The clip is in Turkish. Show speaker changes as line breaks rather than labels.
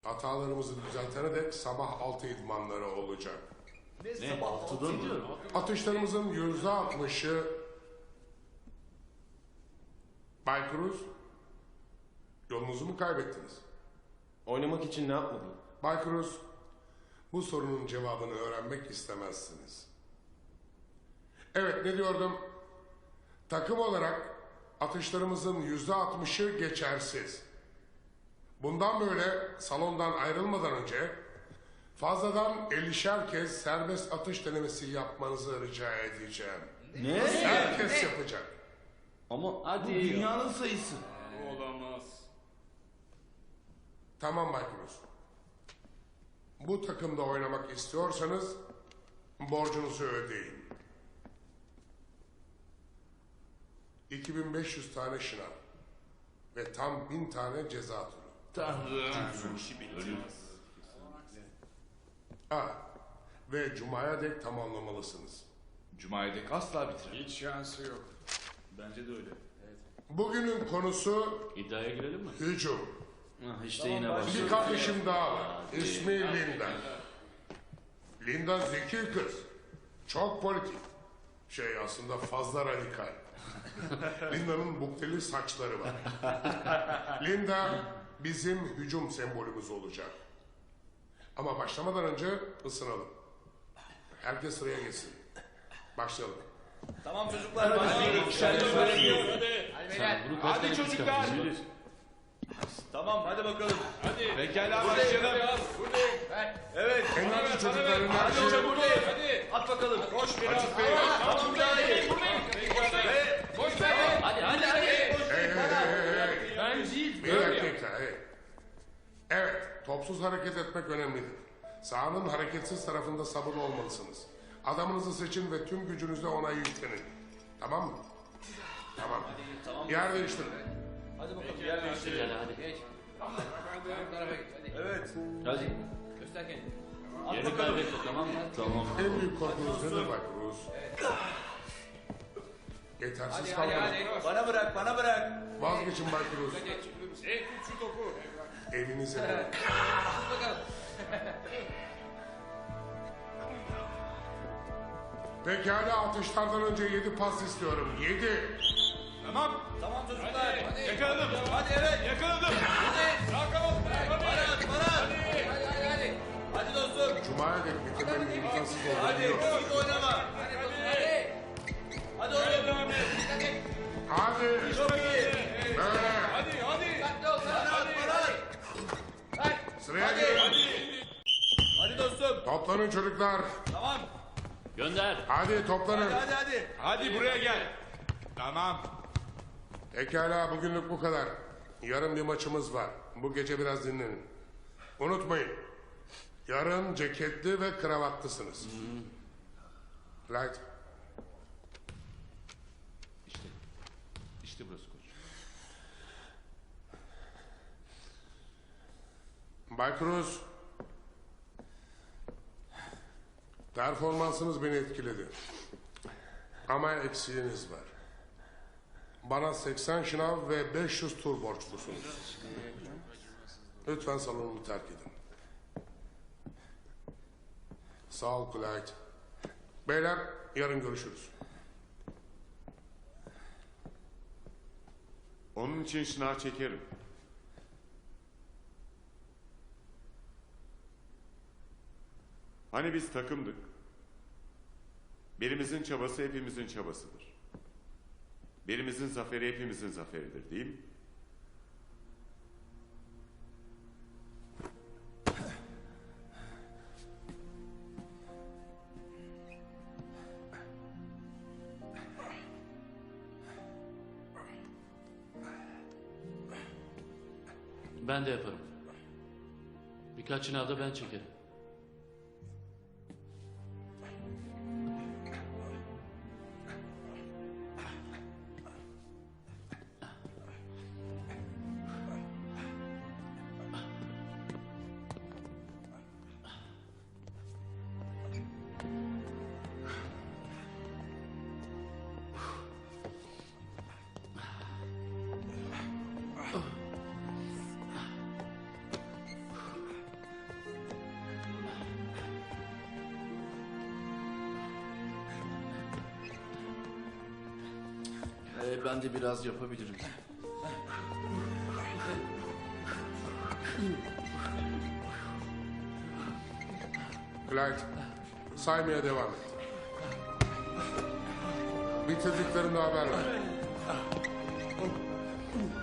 Hatalarımızı düzeltene dek sabah 6 idmanları olacak.
Ne sabah 6'da mı?
Atışlarımızın %60'ı... Bay Cruz, yolunuzu mu kaybettiniz?
Oynamak için ne yapmalıyım?
Bay Cruz, bu sorunun cevabını öğrenmek istemezsiniz. Evet, ne diyordum? Takım olarak atışlarımızın %60'ı geçersiz. Bundan böyle salondan ayrılmadan önce fazladan 50'şer kez serbest atış denemesi yapmanızı rica edeceğim.
Ne?
Herkes yapacak.
Ama
Hadi
bu dünyanın sayısı.
Olamaz.
Tamam Bay Cruz. Bu takımda oynamak istiyorsanız borcunuzu ödeyin. 2500 tane şınav ve tam 1000 tane ceza turu.
Tanrım. İşi bitti.
Ve Cuma'ya dek tamamlamalısınız.
Cuma'ya dek asla bitirir. Hiç şansı yok. Bence de öyle.
Bugünün konusu
İddiaya girelim mi?
hücum.
İşte yine
Bir
başlıyor.
kardeşim daha var. İsmi Linda. Linda zeki kız. Çok politik. Aslında fazla radikal. Linda'nın bukteli saçları var. Linda bizim hücum sembolümüz olacak. Ama başlamadan önce ısınalım. Herkes sıraya geçsin. Başlayalım.
Tamam çocuklar.
Hadi çocuklar.
Tamam hadi bakalım.
Hadi. Pekala başlayalım.
Evet.
Enerji çocukların
Hadi
enerji.
hocam buradayım. Hadi. At bakalım. Koş biraz. Tamam daha iyi.
Boş ver.
Hadi.
Ben değil.
Bir dakika. Evet, topsuz hareket etmek önemlidir. Sahanın hareketsiz tarafında sabırlı olmalısınız. Adamınızı seçin ve tüm gücünüzle ona yüklenin. Tamam mı? Tamam. Yer değiştirin.
Hadi bakalım yer değiştir.
Gel hadi.
Evet.
Hadi.
Göster kendini.
Yerini kaybetme tamam mı? Tamam.
En büyük korkunuz nedir Bay Cruz? Yetersiz kalmanız.
Bana bırak.
Vazgeçin Bay Cruz.
Tut şu topu.
Elinize verin. Pekala, atışlardan önce 7 pas istiyorum. 7.
Tamam.
Tamam çocuklar.
Yakaladım.
Hadi evet.
Yakaladım. Sağ kanat.
Hadi dostum.
Cuma'ya dek bitirmenin imkansız olduğunu
Hadi.
biliyorum.
Git oynama. Hadi oğlum.
Hadi.
Çok iyi.
Böyle.
Hadi.
Bana at.
Sıraya girin.
Hadi dostum.
Toplanın çocuklar.
Tamam.
Gönder.
Hadi toplanın.
Hadi.
Hadi buraya gel. Tamam.
Pekala, bugünlük bu kadar. Yarın bir maçımız var. Bu gece biraz dinlenin. Unutmayın. Yarın ceketli ve kravatlısınız. Light.
İşte burası koç.
Bay Cruz. Performansınız beni etkiledi. Ama eksiğiniz var. Bana 80 şınav ve 500 tur borçlusunuz. Lütfen salonumu terk edin. Sağ ol Clyde. Beyler, yarın görüşürüz.
Onun için şınav çekerim. Hani biz takımdık. Birimizin çabası hepimizin çabasıdır. Birimizin zaferi hepimizin zaferidir, değil mi?
Ben de yaparım. Birkaç şınavda ben çekerim.
Ben de biraz yapabilirim.
Clyde, saymaya devam et. Bitirdiklerinde haber ver.